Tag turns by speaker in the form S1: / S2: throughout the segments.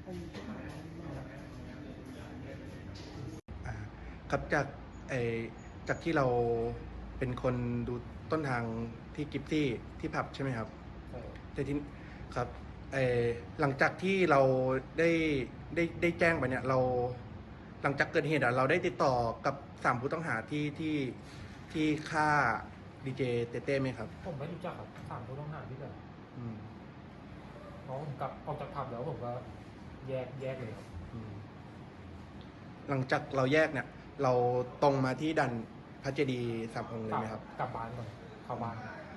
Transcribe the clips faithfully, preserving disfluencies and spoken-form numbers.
S1: อ่าครับจากไอจากที่เราเป็นคนดูต้นทางที่กิฟซี่ที่ผับใช่ไหมครับ
S2: ใช่
S1: แต่ที่ครับไอหลังจากที่เราได้ได้ได้แจ้งไปเนี่ยเราหลังจากเกิดเหตุอ่ะเราได้ติดต่อกับสามผู้ต้องหาที่ที่ที่ฆ่าดีเจเต้เต้ไหมครับ
S2: ผมไม่รู้จักครับถามผู้ต้องหาที่แบบ
S1: อืม
S2: เพราะผมกลับออกจากผับแล้วผมก็แยกแยกเลยครับ
S1: อืมหลังจากเราแยกเนี่ยเราตรงมาที่ดันพระเจดีย์สามองค์เลยไหมครับ
S2: กลับบ้านก่อนเข้าบ้าน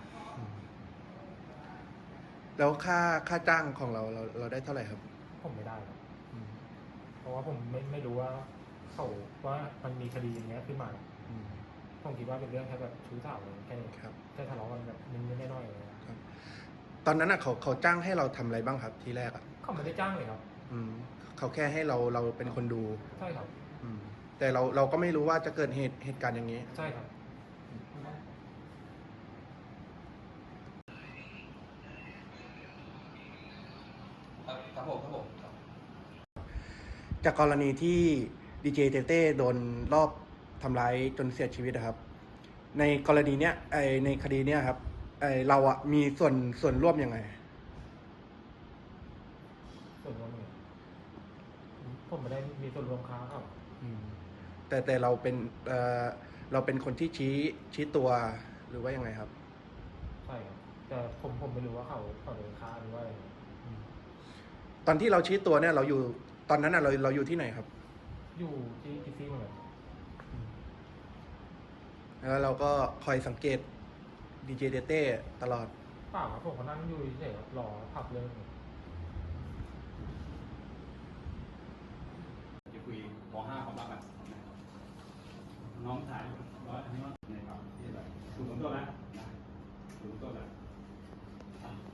S1: แล้วค่าค่าจ้างของเราเราเราได้เท่าไหร่ครับ
S2: ผมไม่ได้ครับ
S1: อืม
S2: เพราะว่าผมไม่ไม่รู้ว่าเขาว่ามันมีคดีอย่างเงี้ยขึ้นมา
S1: อืม
S2: ผมคิดว่าเป็นเรื่องแค่แบบชู้สาวเลยแค่นี้
S1: ครับ
S2: แค่ทะเลาะกันแบบนิดๆหน่อยๆเลย
S1: ครับตอนนั้นอ่ะเขาเขาจ้างให้เราทำอะไรบ้างครับทีแรกอ่ะ
S2: เขาไม่ได้จ้างเลยครับ
S1: อืมเขาแค่ให้เราเราเป็นคนดู
S2: ใช่ครับ
S1: อืมแต่เราเราก็ไม่รู้ว่าจะเกิดเหตุเหตุการณ์อย่างนี้
S2: ใช่ครับ
S3: ครับครับผมครับผม
S1: จากกรณีที่ดีเจเต้เต้โดนรอบทำร้ายจนเสียชีวิตนะครับในกรณีเนี้ยไอในคดีเนี้ยครับไอเราอ่ะมีส่วนส่วนร่วมยังไง
S2: ส่วนรวมเลยผมไม่ได้มีส่วนรวมค้าครับ
S1: อืมแต่แต่เราเป็นเอ่อเราเป็นคนที่ชี้ชี้ตัวหรือว่ายังไงครับ
S2: ใช่ครับแต่ผมผมไม่รู้ว่าเขาเขาโดนค้าหรือว่าอะไร
S1: ตอนที่เราชี้ตัวเนี่ยเราอยู่ตอนนั้นอ่ะเราเราอยู่ที่ไหนครับ
S2: อยู่ที่กิฟซี่เหมือนกัน
S1: แล้วเราก็คอยสังเกตดีเจเต้เต้ตลอด
S2: เปล่าครับผมก็นั่งอยู่เฉยๆครับรอผับเริ่ม
S3: จะคุยป .ห้า ความรักกันน้องถ่าย